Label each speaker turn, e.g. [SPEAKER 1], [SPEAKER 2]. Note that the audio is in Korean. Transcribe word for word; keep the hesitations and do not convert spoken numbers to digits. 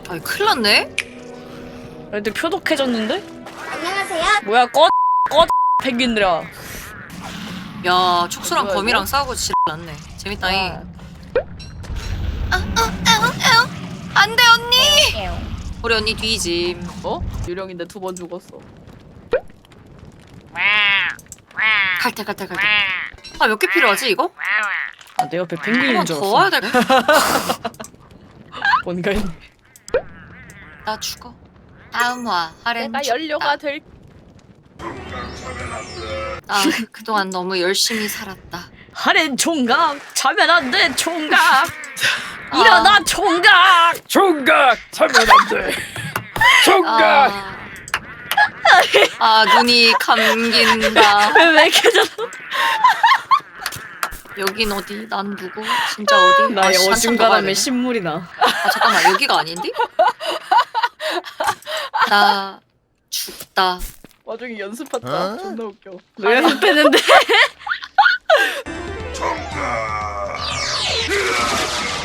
[SPEAKER 1] 아이 큰일 났네?
[SPEAKER 2] 애들 표독해졌는데?
[SPEAKER 3] 안녕하세요.
[SPEAKER 2] 뭐야 꺼 꺼 펭귄들아.
[SPEAKER 1] 야 축수랑
[SPEAKER 2] 뭐야,
[SPEAKER 1] 거미랑
[SPEAKER 2] 이거?
[SPEAKER 1] 싸우고 지랄 났네. 재밌다잉.
[SPEAKER 2] 아.
[SPEAKER 1] 안돼 언니. 우리 언니 뒤짐.
[SPEAKER 2] 어? 유령인데 두 번 죽었어.
[SPEAKER 1] 갈때 갈때 갈때. 아 몇 개 필요하지 이거?
[SPEAKER 2] 아, 내 옆에 펭귄인
[SPEAKER 1] 한번
[SPEAKER 2] 줄
[SPEAKER 1] 더 와야
[SPEAKER 2] 알았어.
[SPEAKER 1] 될.
[SPEAKER 2] 뭔가 있네.
[SPEAKER 1] 나 죽어. 다음 화 하렌
[SPEAKER 2] 내가
[SPEAKER 1] 죽다.
[SPEAKER 2] 연료가 될.
[SPEAKER 1] 아 그동안 너무 열심히 살았다.
[SPEAKER 2] 하렌 총각 자면 안 돼 총각. 일어나 총각.
[SPEAKER 4] 총각! 자면 안 돼! 총각!
[SPEAKER 1] 아, 아 눈이 감긴다.
[SPEAKER 2] 왜 이렇게 저?
[SPEAKER 1] 여긴 어디? 난 누구? 진짜 어디?
[SPEAKER 2] 나의
[SPEAKER 1] 아, 씨, 한참 더 가야
[SPEAKER 2] 어중간함에
[SPEAKER 1] 되네.
[SPEAKER 2] 신물이 나.
[SPEAKER 1] 아 잠깐만 여기가 아닌데? 나 죽다.
[SPEAKER 2] 와중에 연습했다. 존나 웃겨. 너 연습했는데?